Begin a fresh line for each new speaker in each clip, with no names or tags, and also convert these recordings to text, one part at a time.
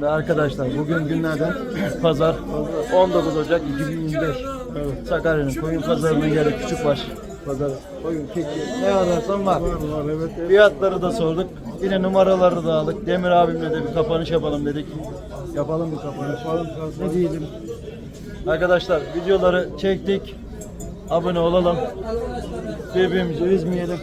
Şimdi arkadaşlar bugün günlerden pazar 19 Ocak 2025. Evet. Sakarya'nın koyun pazarının yeri Küçükbaş pazarı. Koyun, keçi ne ararsan var. Evet. Fiyatları da sorduk. Yine numaraları da aldık. Demir abimle de bir kapanış yapalım dedik. Yapalım bir kapanış. Ne diyelim? Arkadaşlar videoları çektik. Abone olalım. Birbirimizi üzmeyelim.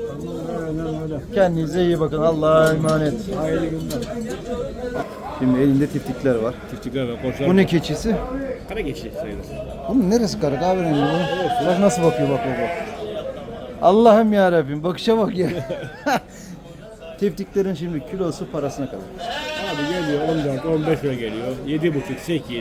Kendinize iyi bakın. Allah'a emanet. Hayırlı günler. Şimdi elinde tiftikler var.
Tiftikler var, koçlar.
Bu ne keçisi?
Kara keçi sayılır.
Bunun neresi kara? Kahverengi bu. Bak nasıl bakıyor bak bak. Allah'ım ya Rabbim bakışa bak ya. Tiftiklerin şimdi kilosu parasına kalır.
Abi geliyor 14-15 lira geliyor. 7,5 8.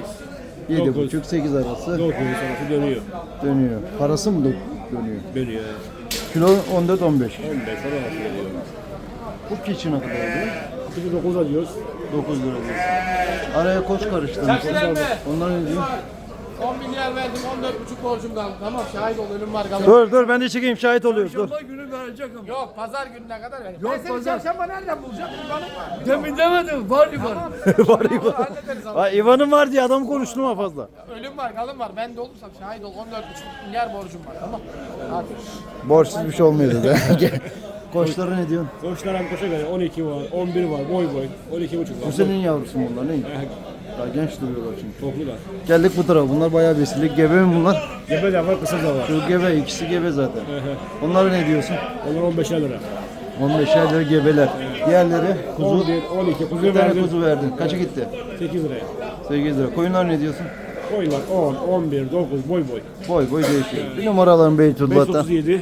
7,5-8 arası
9 arası dönüyor.
dönüyor. Parası mı dönüyor?
Dönüyor.
Kilo 14-15.
15 lira arası geliyor.
Bu keçi ne kadar oluyor?
9 alıyoruz.
9 lira diyorsun. Araya koç karıştırmış. Onlar ne diyor?
10 milyar verdim, 14,5 borcum kaldı. Tamam, şahit ol, ölüm var kalır.
Dur ben de çekeyim şahit oluyoruz dur.
Çarşamba günü verecek ama. Yok, pazar gününe kadar verecek.
Yok,
ben seni
pazar.
çarşamba nereden bulacağım? İvanım var.
Demin demedim, var İvan.
Var İvan.
Hallederiz ama.
Ay İvan'ın var diye adam konuşturma fazla.
Ölüm var, kalım var. Ben de olursam şahit ol, 14,5 milyar borcum var. Tamam. Hadi.
Borçsuz bir şey olmuyor dedi. Koçları ne diyorsun?
Koçlar hem koşa göre 12 var, 11 var, boy 12,5 var.
Bu senin yavrusu mu bunlar ne? Daha genç duruyorlar çünkü.
Toplular.
Geldik bu tarafa. Bunlar bayağı besili. Gebe mi bunlar?
Gebe de var, kısa da var.
Şu gebe, ikisi gebe zaten. Onlara ne diyorsun?
Onlar 15 lira.
15 lira gebeler. Diğerleri kuzu.
11, 12,
Bir
kuzu
tane
verdim.
kuzu verdin. Kaça gitti?
8 liraya.
8 lira. Koyunlar ne diyorsun?
Koyunlar 10, 11, 9, boy.
Boy boy değişiyor. Bir numaraların Beytullah'ta.
537,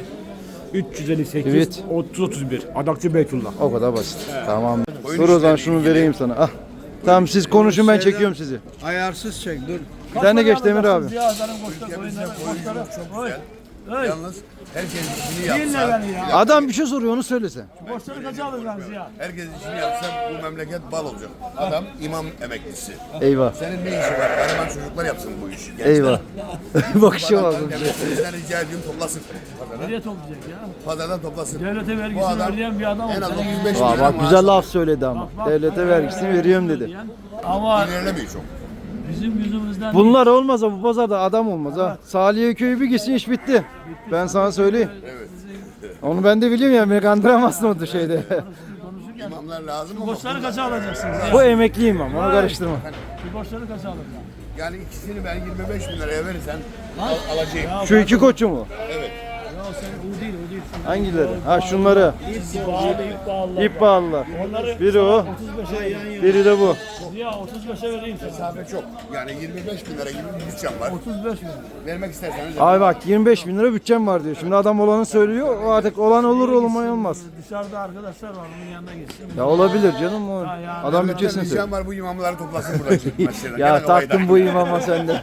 358,
Evet.
30, 31. Adakçı Beytullah.
O kadar basit. Tamam. Dur o zaman şunu vereyim sana. Ah. Tamam siz konuşun ben çekiyorum sizi.
Ayarsız çek, dur.
Bir tane geç Demir abi.
Cihazların koçları, koyunları, koçları. Oy. Oy.
Yalnız herkes işini
Dinle
yapsa,
beni ya.
Adam bir şey soruyor onu söylesen.
Koçları kaça alacaksınız ya?
herkes işini yapsa bu memleket bal olacak. Adam imam emeklisi.
Eyvah.
Senin ne işi var? Gariban çocuklar yapsın bu işi. Gençler.
Eyvah. Bakışa bak.
Devletimizden rica ediyorum toplasın. Pazardan,
Nereye toplayacak ya?
pazardan toplasın.
Devlete
Bu
vergisini
adam
ödeyen bir adam
en az
olsa.
35
Aa,
lira
bak
maaş
güzel
alıyor.
laf söyledi ama. Devlete vergisini veriyorum dedi.
Ama
İlerlemiyor çok.
bizim yüzümüzden
Bunlar olmasa bu pazarda adam olmaz ha. Saliye köyü bir gitsin iş bitti. Ben sana söyleyeyim.
Evet.
Onu ben de biliyorum ya beni kandıramazsın o şeyde.
İmamlar lazım ama
koçları kaça alacaksınız ya?
Bu emekliyim ama onu karıştırma.
Bu koçları kaça alacaksınız?
yani ikisini ben 25 bin liraya verirsen alacağım.
Şu iki koçu mu?
Evet.
Ya sen o değil, o değil.
Hangileri? Ha şunları.
İp bağlı, ip bağlı.
İp bağlılar.
Onları
Biri o,
35'e vereyim.
biri de bu.
Ya 35'e vereyim sana.
Mesafe çok. Yani 25 bin lira gibi bir bütçem var.
35 mi?
Vermek isterseniz
Abi bak 25 bin lira bütçem var diyor. Şimdi adam olanı söylüyor. O artık olan olur olmaya olmaz.
Dışarıda arkadaşlar var, onun yanına gitsin.
Ya olabilir canım o.
yani.
Adam bütçesini söylüyor.
ricam var bu imamları toplasın burada. Mesela.
Ya
Gene
taktım
olaydan.
bu imama sende.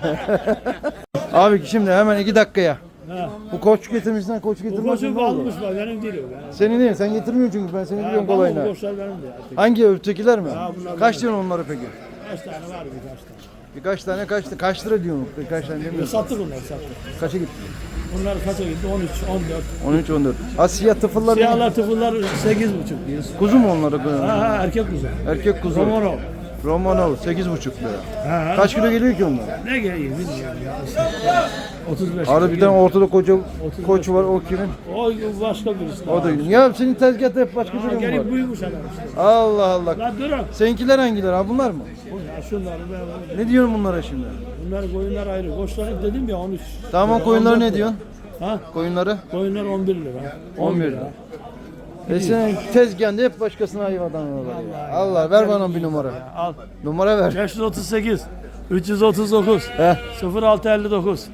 Abi şimdi hemen 2 dakikaya. Bu koç getirmişsen koç
Bu
getirmezsin
koçu
ne olur?
almış var, benim değil o. Ya.
Senin değil sen getirmiyorsun çünkü ben seni biliyorum
Bu
kolayına.
koçlar benim de ya.
Hangi ötekiler mi?
bunlar
Kaç diyorsun onları peki?
Kaç tane var birkaç tane.
Birkaç tane kaç lira diyorsun? Kaç tane demiyorsun?
Sattık onları sattık.
Kaça gitti?
Bunlar kaça gitti? 13, 14.
13 14. Ha siyah tıfıllar.
Siyahlar tıfıllar 8,5 diyoruz.
Kuzu mu onları?
Ha erkek kuzu.
Erkek kuzu.
Romanov.
Romanov 8,5 lira.
Ha.
Kaç kilo geliyor ki onlar?
Ne geliyor bilmiyorum ya. 35.
Arada bir tane ortada koca koç var o kimin?
O başka birisi.
O da ya senin tezgahta hep başka biri mi var?
Gelip buymuş adam işte.
Allah Allah.
Lan durun.
Seninkiler hangiler ha bunlar mı?
Ya şunları ben.
Ne diyorsun bunlara şimdi?
Bunlar koyunlar ayrı. Koçları dedim ya 13.
Tamam koyunları ne diyorsun?
Ha?
Koyunları?
Koyunlar 11 lira.
11 lira. Senin tezgahında hep başkasına hayvandan alıyorlar ya. Allah ver bana bir numara.
Al.
Numara ver.
538 339
Heh.
0659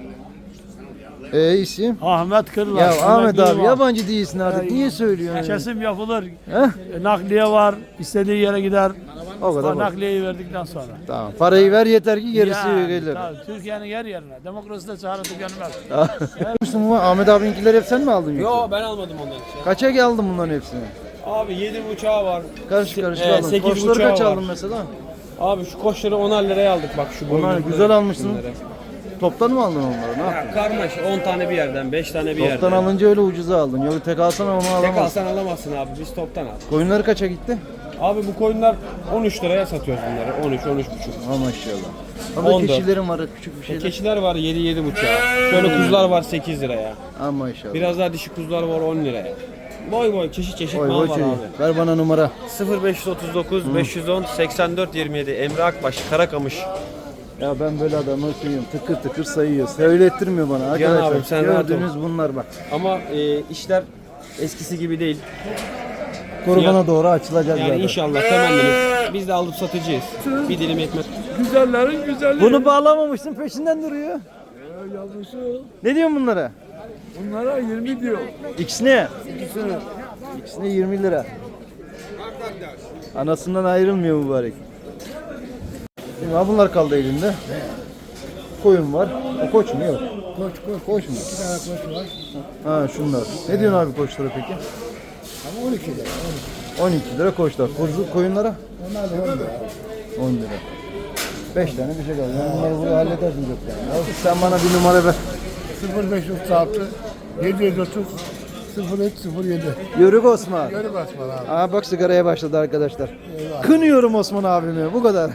isim?
Ahmet Kırlar.
Ya Ahmet
Emekli
abi
var.
yabancı değilsin artık. Niye söylüyorsun?
Kesim yapılır.
Heh?
Nakliye var. İstediği yere gider.
O kadar bak.
Nakliyeyi verdikten sonra.
Tamam. Parayı ver yeter ki gerisi
Yani,
gelir.
tabii, Türkiye'nin her yerine. Demokrasi de çağrı tükenmez.
Müslüman Ahmet abininkileri hep sen mi aldın yoksa?
Yo ben almadım ondan hiç.
Kaça aldın bunların hepsini?
Abi 7,5 var.
Karışık karışık
Ee,
aldın.
8,5
Koçları kaç
var.
aldın mesela?
Abi şu koçları 10'ar liraya aldık bak şu
Onlar
boynuzları,
güzel almışsın.
bunları.
Toptan mı aldın onları? Ne yaptın?
Ya karmaşa 10 tane bir yerden 5 tane bir
Toptan
yerden.
alınca öyle ucuza aldın. Yok tek alsan onu
Tek
alamazsın.
alsan alamazsın abi biz toptan aldık.
Koyunları kaça gitti?
Abi bu koyunlar 13 liraya satıyoruz bunları. 13-13,5.
Ha maşallah. Ama
14.
keçilerim var küçük bir şeyler.
Keçiler var 7-7,5'a. Şöyle kuzular var 8 liraya.
Ha maşallah.
Biraz daha dişi kuzular var 10 liraya. Boy boy çeşit
Oy
mal
oy
var
çocuk.
abi.
Ver bana numara.
0539 510 84 27 Emre Akbaş Karakamış.
Ya ben böyle adamı söylüyorum. Tıkır tıkır sayıyor. Söylettirmiyor bana arkadaşlar.
abim, sen rahat ol.
Gördüğünüz bunlar bak.
Ama işler eskisi gibi değil.
Kurbana doğru açılacak
Yani
zaten.
inşallah temennimiz biz de alıp satıcıyız. Bir dilim ekmek.
Güzellerin güzeli.
Bunu bağlamamışsın peşinden duruyor.
Yavrusu.
Ne diyorsun bunlara?
Bunlara 20 diyor.
İkisine? İkisine 20 lira. Anasından ayrılmıyor mübarek. Şimdi ha bunlar kaldı elinde. Koyun var. O koç mu? Yok. Koç mu?
2 tane koç var.
Ha şunlar. Ne diyorsun abi koçlara peki?
Ama 12 lira.
12 lira koçlar. Koyunlara?
Onlar da 10 lira.
10 lira. 5 tane bir şey kaldı. Yani bunları buraya halledersin yok yani. Sen bana bir numara ver.
0536 730 0307.
Yörük Osman.
Yörük Osman abi.
Aa bak sigaraya başladı arkadaşlar. Kınıyorum Osman abimi. Bu kadar.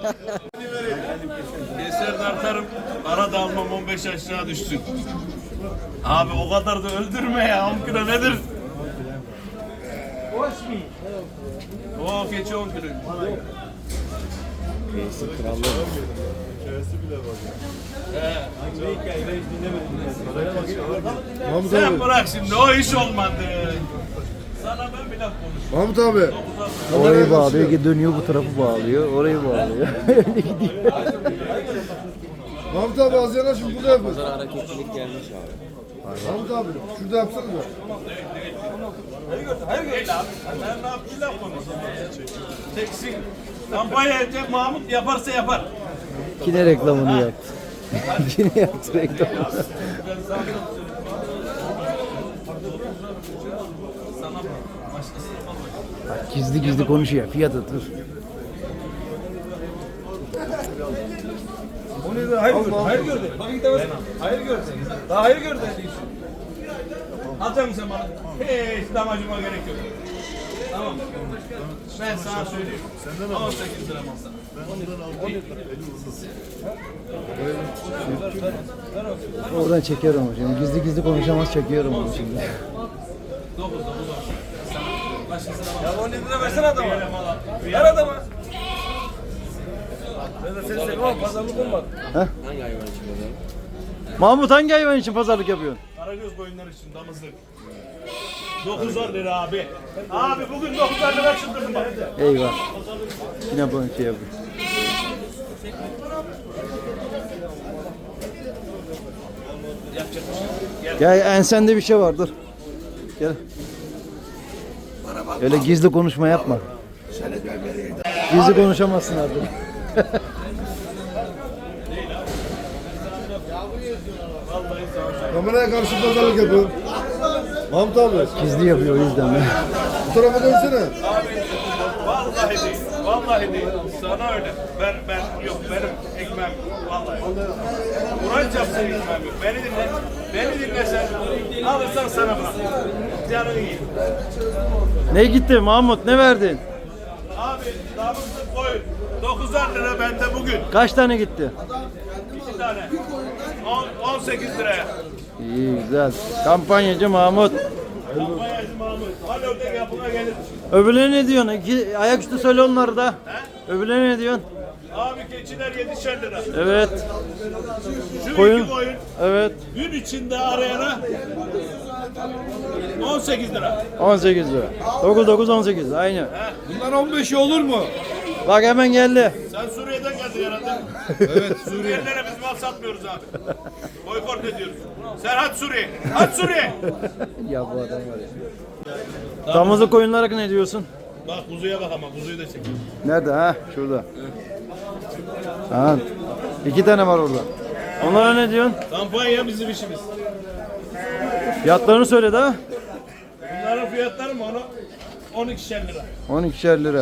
Keser tartarım, para da almam 15 aşağı düşsün. Abi o kadar da öldürme ya, 10 kilo nedir? O keçi 10 kilo. Sen bırak şimdi, o iş olmadı. Sana ben bir laf konuşayım.
Mahmut abi.
Orayı bağlıyor, dönüyor bu tarafı bağlıyor. Orayı bağlıyor. Öyle gidiyor.
Mahmut abi az yana şimdi burada yapıyoruz.
Hareketlilik gelmiş abi.
Mahmut abi şurada yapsana da.
Hayır değil abi. Ben ne yapayım, bir laf konuşayım. Teksin. Kampanya edecek, Mahmut yaparsa yapar.
Yine reklamını yaptı. Yine yaptı reklamını. Bak, gizli gizli konuşuyor. Fiyat atır.
Hayır gördün. Bak gidemezsin. Hayır gördün. Daha hayır gördün. Alacak mısın bana? Hiç damacıma gerek yok. Tamam mı? Ben sana söyleyeyim. 18 lira mal sana.
Oradan çekiyorum ama şimdi. Gizli gizli konuşamaz çekiyorum onu şimdi.
9 Ya 10 lira versene adama. Ver adama. Sen sevmem pazarlık olmadı.
Hangi hayvan için böyle?
Mahmut hangi hayvan için pazarlık yapıyorsun?
Karagöz koyunlar için damızlık. 9 lira abi. Abi bugün 9 lira çıldırdım bak.
Eyvah. Yine bunu şey yapıyor. Gel ensende bir şey var dur. Gel. Öyle gizli konuşma yapma. Gizli konuşamazsın artık.
Kameraya karşı pazarlık yapıyorum. Mahmut abi
Gizli yapıyor o yüzden.
bu tarafa dönsene.
Vallahi değil. Vallahi değil. Sana öyle. Ben yok benim ekmeğim vallahi. Kur'an çapsın ekmeğim yok. Beni dinle. Beni dinle sen. Alırsan sana bırak. Canını yiyin.
Ne gitti Mahmut ne verdin?
Abi damızlık koyun. 9 lira bende bugün.
Kaç tane gitti?
2 tane. 18 liraya.
İyi güzel. Kampanyacı Mahmut.
Kampanyacı Mahmut. Hadi ördek yapına gelir.
Öbürlerine ne diyorsun? Ayaküstü söyle onları da. Öbürlerine ne diyorsun?
Abi keçiler 7'şer lira.
Evet.
Şu
Koyun.
iki koyun.
Evet.
Gün içinde arayana 18 lira.
18 lira. 9 18 aynı.
Bunlar 15 olur mu?
Bak hemen geldi.
Sen Suriye'den geldin herhalde. Evet Suriye. Suriyelilere biz mal satmıyoruz abi. Boykot ediyoruz. Sen hadi Suriye. Hadi Suriye.
Ya bu adam var ya. Damızlık koyunlara ne diyorsun?
Bak kuzuya bak ama kuzuyu da çekiyor.
Nerede ha? Şurada. Ha. 2 tane var orada. Onlara ne diyorsun?
Kampanya bizim işimiz.
Fiyatlarını söyle de.
Bunların fiyatları mı onu? 12'şer lira.
12'şer lira.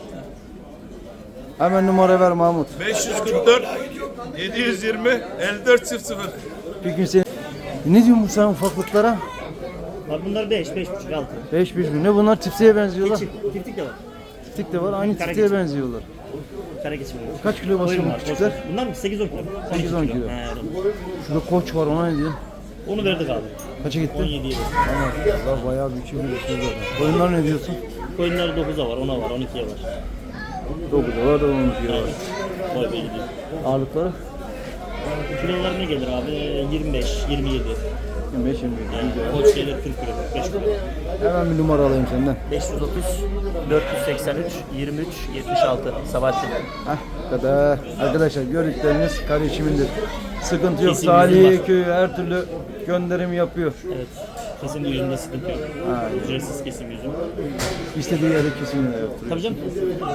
Hemen numara ver Mahmut.
544 720 54 00.
Bir gün seni... Ne diyorsun sen ufaklıklara?
Var bunlar 5, 5,5, 6.
5 mi? Ne bunlar tipsiye benziyorlar.
Tiftik de var.
tiftik de var. Aynı tiftiğe benziyorlar.
Kara geçim.
Kaç kilo basıyor bu küçükler?
Bunlar mı? 8-10 kilo.
8-10 kilo.
He,
Şurada koç var, ona ne diyorsun?
onu verdik abi.
Kaça gitti?
17'ye.
Allah bayağı bir şey biliyorsunuz. Koyunlar ne diyorsun?
Koyunlar 9'a var, 10'a var, 12'ye var.
9'a var, 12'ye var.
Boy boy gidiyor.
Ağırlıkları?
Kilolar ne gelir abi? 25, 27.
25 25.
Koç gelir 40 kilo, 45 kilo.
Hemen bir numara alayım senden.
530, 483, 23, 76. Sabahattin.
Heh, bu kadar. Arkadaşlar gördükleriniz kardeşimindir. Sıkıntı yok.
Kesim
Salih
yüzüm var.
köyü her türlü gönderim yapıyor.
Evet. Kesim yüzünde sıkıntı yok.
Ha.
Ücretsiz kesim yüzüm.
İstediği yere kesimini yaptırıyor.
Tabii canım.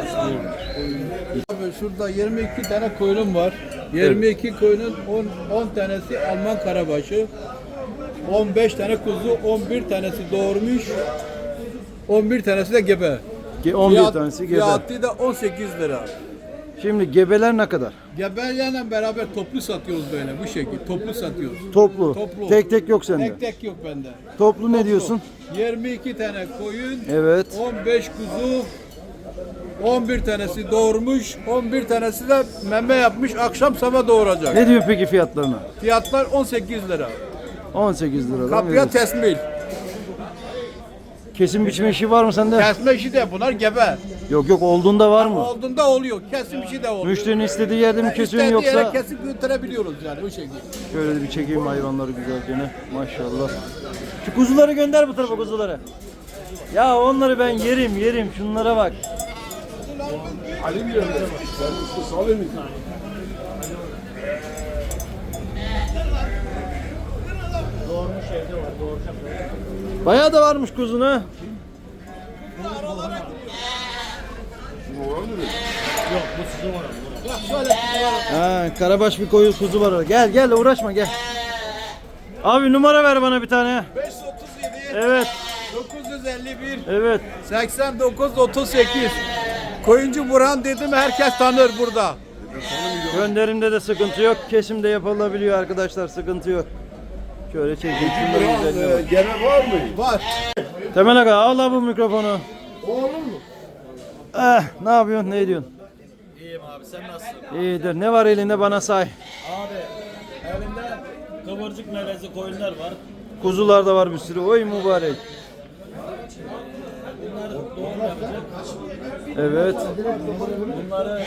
Abi şurada 22 tane koyunum var. 22 koyunun 10 tanesi Alman karabaşı. 15 tane kuzu, 11 tanesi doğurmuş. 11 tanesi de gebe.
11 tanesi gebe.
Fiyatı da 18 lira.
Şimdi gebeler ne kadar?
Gebelerle beraber toplu satıyoruz böyle bu şekilde. Toplu satıyoruz.
Toplu.
Toplu.
Tek tek yok sende.
Tek tek yok bende.
Toplu ne diyorsun?
22 tane koyun,
Evet.
15 kuzu, 11 tanesi doğurmuş, 11 tanesi de meme yapmış, akşam sabah doğuracak.
Ne diyor peki fiyatlarına?
Fiyatlar 18 lira.
18 liradan
Kapıya
veriyorsun.
tesmil.
Kesim biçme işi var mı sende?
Kesme işi de bunlar gebe.
Yok yok, olduğunda var mı?
Olduğunda oluyor, kesim işi de oluyor.
Müşterinin istediği yerde mi kesiyorsun
İstediği
yoksa?
yere kesip götürebiliyoruz yani o şekilde.
Şöyle bir çekeyim hayvanları güzelce. Maşallah. Şu kuzuları gönder bu tarafa, kuzuları. Ya onları ben yerim. Şunlara bak. Bayağı da varmış kuzuna. Ha, karabaş bir koyu kuzu var orada. Gel uğraşma gel. Abi numara ver bana bir tane.
537,
Evet.
951,
Evet.
89, 38. Koyuncu Burhan dedim herkes tanır burada.
Gönderimde de sıkıntı yok. Kesim de yapılabiliyor arkadaşlar. Sıkıntı yok. Şöyle çekeyim. Şunları güzelce bak.
Gene var mı?
Var.
Temel Aga al abi bu mikrofonu.
Olur mu?
Ne yapıyorsun? Ne ediyorsun?
İyiyim abi, sen nasılsın?
İyidir. Ne var elinde bana say.
Abi elimde kıvırcık melezi koyunlar var.
Kuzular da var bir sürü. Oy mübarek.
Bunlar doğum yapacak.
Evet.
Bunları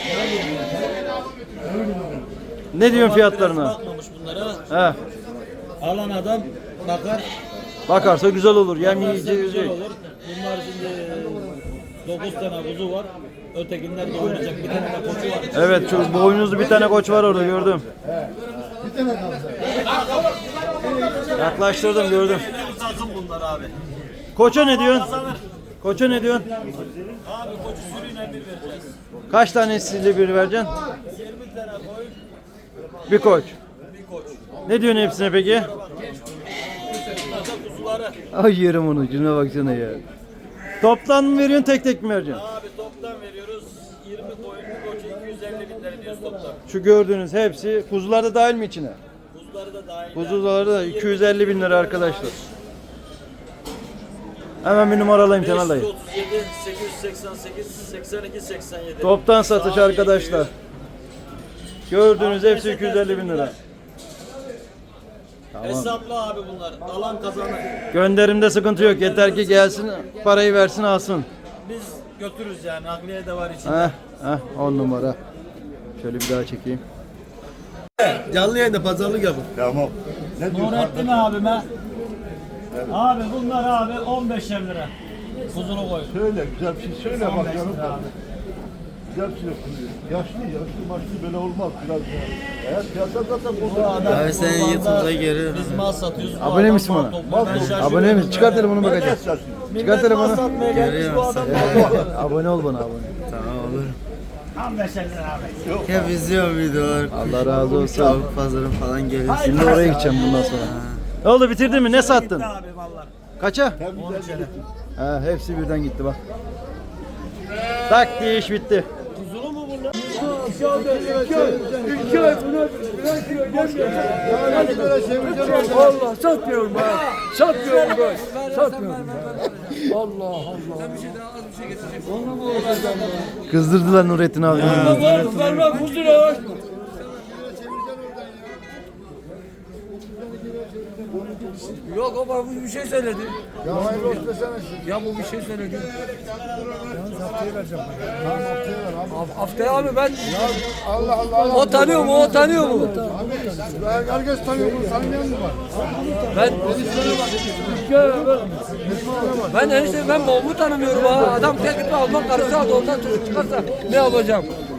Ne diyorsun fiyatlarına?
bakmamış bunlara.
He.
Alan adam bakar.
Bakarsa güzel olur. Yem
Bakarsa
yiyecek.
güzel olur. Bunlar şimdi 9 tane kuzu var. Ötekiler doğuracak. Bir tane de koçu var.
Evet, şu boynuzlu bir tane koç var orada, gördüm. Yaklaştırdım, gördüm.
Takım bunlar abi.
Koça ne diyorsun? Koça ne diyorsun?
Abi koçu sürüyle bir vereceğiz.
Kaç tanesiyle bir vereceksin?
20 tane koyun,
Bir koç.
bir koç.
Ne diyorsun hepsine peki?
Bunlar da kuzuları.
Ay yerim onu, şuna baksana ya. Toptan mı veriyorsun, tek tek mi vereceksin?
Abi toptan veriyoruz. 20 koyun, bir koçu 250 bin lira diyoruz toplam.
Şu gördüğünüz hepsi, kuzular da dahil mi içine?
Kuzuları da dahil.
Kuzuları da 250 bin lira arkadaşlar. Hemen bir numara alayım Temel dayı.
537, 888, 82, 87.
Toptan satış arkadaşlar. Gördüğünüz hepsi 250 bin lira.
Hesaplı abi bunlar. Alan kazanır.
Gönderimde sıkıntı yok. Yeter ki gelsin, parayı versin, alsın.
Biz götürürüz yani. Nakliye de var içinde.
10 numara. Şöyle bir daha çekeyim.
Canlı yayında pazarlık yapın.
Tamam.
Nurettin abime. Abi bunlar abi 15'er lira. Kuzunu koy.
Söyle güzel bir şey söyle bakalım. Güzel bir şey söyle. Yaşlı maçlı böyle olmaz biraz. Eğer piyasa zaten bozulur.
Abi sen YouTube'da görüyorsun. Biz mal satıyoruz. Bu
Abone
adam
misin
mal
bana?
topluyor. Ben şaşırıyorum.
Abone misin? Çıkar telefonu bakacağım.
Millet
Çıkar telefonu.
mal satmaya gelmiş bu adam.
Abone ol bana, abone.
15'er lira abi.
Hep izliyorum videolar.
Allah razı olsun.
Tavuk pazarı falan geliyor.
Şimdi oraya gideceğim bundan sonra. Ne oldu, bitirdin mi? Ne sattın?
Abi mallar.
Kaça?
13'er.
Hepsi birden gitti bak. Tak diye iş bitti.
Kuzulu mu bunlar?
Allah satmıyorum ben. Satmıyorum ben. Satmıyorum ben.
Allah Allah.
Kızdırdılar Nurettin abi.
Vermem bu lira. Yok o bana bir şey söyledi.
Ya hayırlı olsun desene.
Ya bu bir şey söyledi.
Haftaya vereceğim. Haftaya ver abi.
Haftaya abi ben
Allah Allah.
o tanıyor mu? O tanıyor mu?
Herkes tanıyor bunu. Tanımayan mı var?
Ben enişte ben babamı tanımıyorum ha. Adam tek gitme Alman karısı aldı ondan çocuk çıkarsa ne yapacağım?